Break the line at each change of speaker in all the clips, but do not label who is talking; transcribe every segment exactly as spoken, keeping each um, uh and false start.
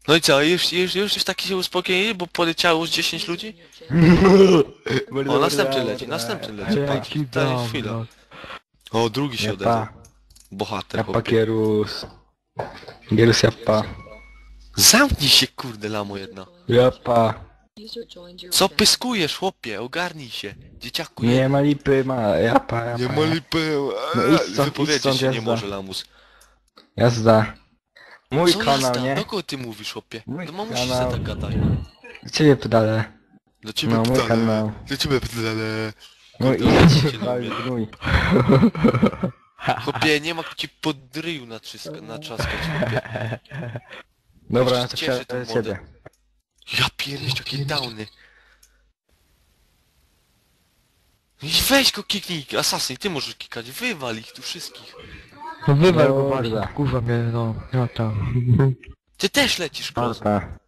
No i co, już, już, już, już taki się uspokoili, bo poleciało już dziesięć ludzi? O, następny leci, następny leci, patrz, daj chwilę. O, drugi się odezwał.
Japa.
Bohater,
Japa
chłopie.
Gierus. Gierus japa.
Zamknij się, kurde, lamo jedna.
Japa.
Co pyskujesz, chłopie? Ogarnij się, dzieciaku.
Nie ma lipy, ma japa, japa.
Nie ma lipy.
No idź stąd, idź
Wypowiedzieć
stąd,
się nie
jazda.
może, lamus.
Jazda. Mój
Co
kanał,
jazda?
nie?
Do kogo ty mówisz, chłopie?
Mój
Do mamusi się
kanał.
tak gadaj.
Do ciebie pedale.
Do ciebie
No, mój
pedale.
kanał.
Do ciebie pedale.
No
Kurde,
i
ja cię
idź,
nie
wal
lubię.
gnój.
Chłopie, nie ma ci pod ryju natrzyska- natrzaskać, chłopie.
Dobra,
Jeszcze
no to
cieszy tą
wsiadę do
mordę.
ciebie.
Ja pierdolę, jakie downy. I weź go kiknij, Assassin, ty możesz kikać, wywal ich tu wszystkich.
No wywal go
Dobra.
właśnie, kurwa mnie, no, no tam.
Ty też lecisz, Kros.
Dobra.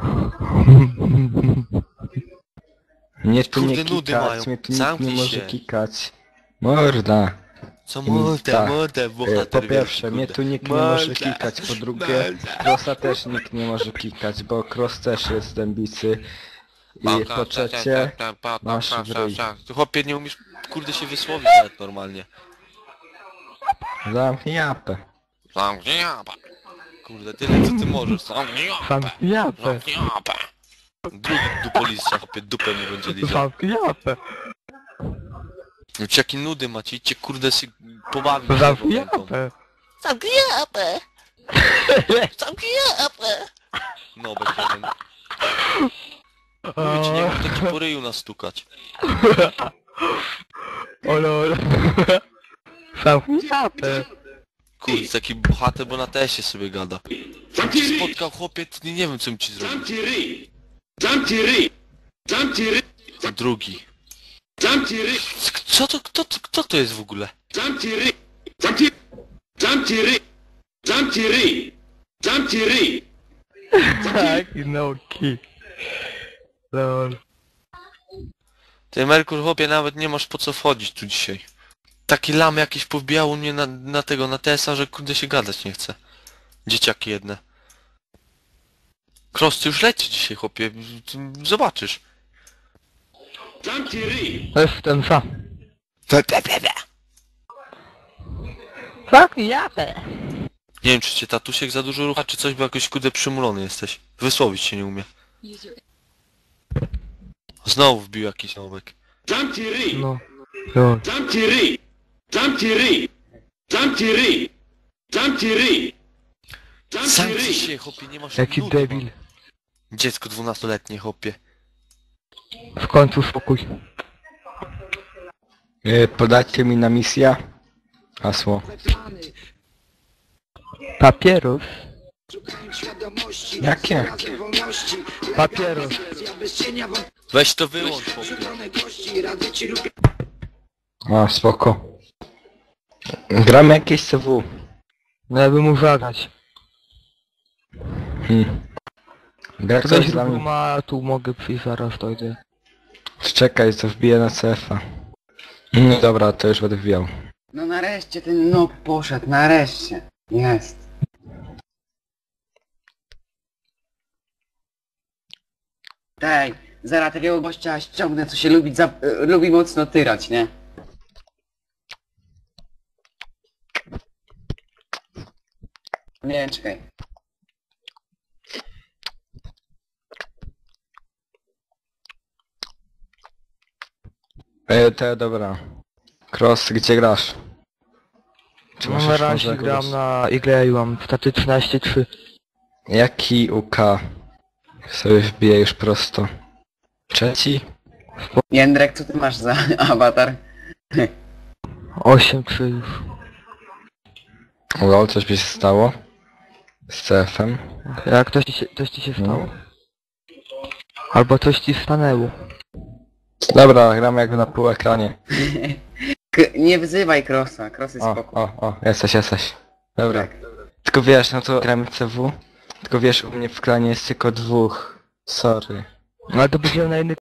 Mnie tu
Kurde,
nie
nudy mają.
kikać, mnie tu nikt nie
Zamknij
może
się.
kikać. Morda.
Co
Tak.
mordę, mordę,
E,
bohater
Po
wielki,
pierwsze, mnie
kurde.
tu nikt nie może
Morda,
kikać, po drugie,
morda.
Krosa też nikt nie może kikać, bo Cross też jest dębicy. I po trzecie, masz w ryj.
Ty, chłopie, nie umiesz, kurde, się wysłowić nawet normalnie.
Zamknij japę.
Zamknij japę. Kurde, tyle co ty możesz. Zamknij japę.
Sam japę,
Zamknij japę. Drugi dupolista, chłopie, dupę mu będzie lizał.
sam japę,
No ci jakie nudy macie, idźcie, kurde, się pobawić się
sam
tą ręką.
japę.
Zamknij japę. Zamknij japę. No, bez jeden. Mówię ci, nie mógł taki po ryju nastukać.
Ole, ole. Sam japę.
Kurde, taki bohater, bo na tesie sobie gada. Jak cię spotkał, chłopie, to nie, nie wiem, co mi ci zrobił.
Zamknij ryj! Zamknij ryj! Zamknij ryj!
Drugi.
Zamknij ryj!
Co to, kto to, kto to jest w ogóle?
Zamknij ryj! Zamknij... Zamknij ryj! Zamknij ryj! Zamknij ryj!
Tak, no kick. Lol.
Ty, Merkur, chłopie, nawet nie masz po co wchodzić tu dzisiaj. Taki lam jakiś powbijało mnie na, na tego, na T S A, że kurde się gadać nie chce. Dzieciaki jedne. Cross, ty już leci dzisiaj, chłopie. Zobaczysz.
Zamknij ryj!
To jest ten sam. Tak, japę.
Nie wiem, czy cię tatusiek za dużo rucha, czy coś, bo jakoś kurde przymulony jesteś. Wysłowić się nie umie. Znowu wbił jakiś nowek.
Zamknij ryj!
No. Lol.
Zamknij ryj! Zamknij ryj! Zamknij ryj! Zamknij ryj! Zamknij
Zamknij
ryj!
się, chłopie, nie masz
Jaki
nudy,
debil.
man. Dziecko dwunastoletnie, chłopie.
W końcu spokój.
E, Podajcie mi na misję. Hasło.
Papieros.
Jakie?
Papieros.
Weź to wyłącz, chłopie.
A, spoko. Gramy jakieś C W.
No ja bym mógł zagrać.
Hmm. Gra
Ktoś
ktoś z
ruchu
nami?
ma, tu mogę przyjść zaraz, to idę.
Czekaj, co wbiję na C F a. No dobra, to już będę wbijał.
No nareszcie ten nóg poszedł, nareszcie. Jest. Tej, zaraz takiego gościa ściągnę, co się lubi, za, y, lubi mocno tyrać, nie? Nie, czekaj.
E, te, dobra. Cross, gdzie grasz? Czy
No
masz
na
już
razie
może
gram
kogoś?
na igle i mam staty trzynaście trzy.
Jaki U K? Sobie wbiję już prosto. Trzeci?
Jędrek, co ty masz za awatar?
osiem trzy już.
Lol, coś by się stało? Z C F em?
Jak coś ci się, coś ci się stało? Albo coś ci stanęło.
Dobra, gramy jakby na pół ekranie.
K nie wyzywaj Krosa, Kros jest
O,
spoko.
o, o, jesteś, jesteś. Dobra.
Tak.
Tylko wiesz, no to gramy C W. Tylko wiesz, u mnie w klanie jest tylko dwóch. Sorry.
No ale to będziemy na inny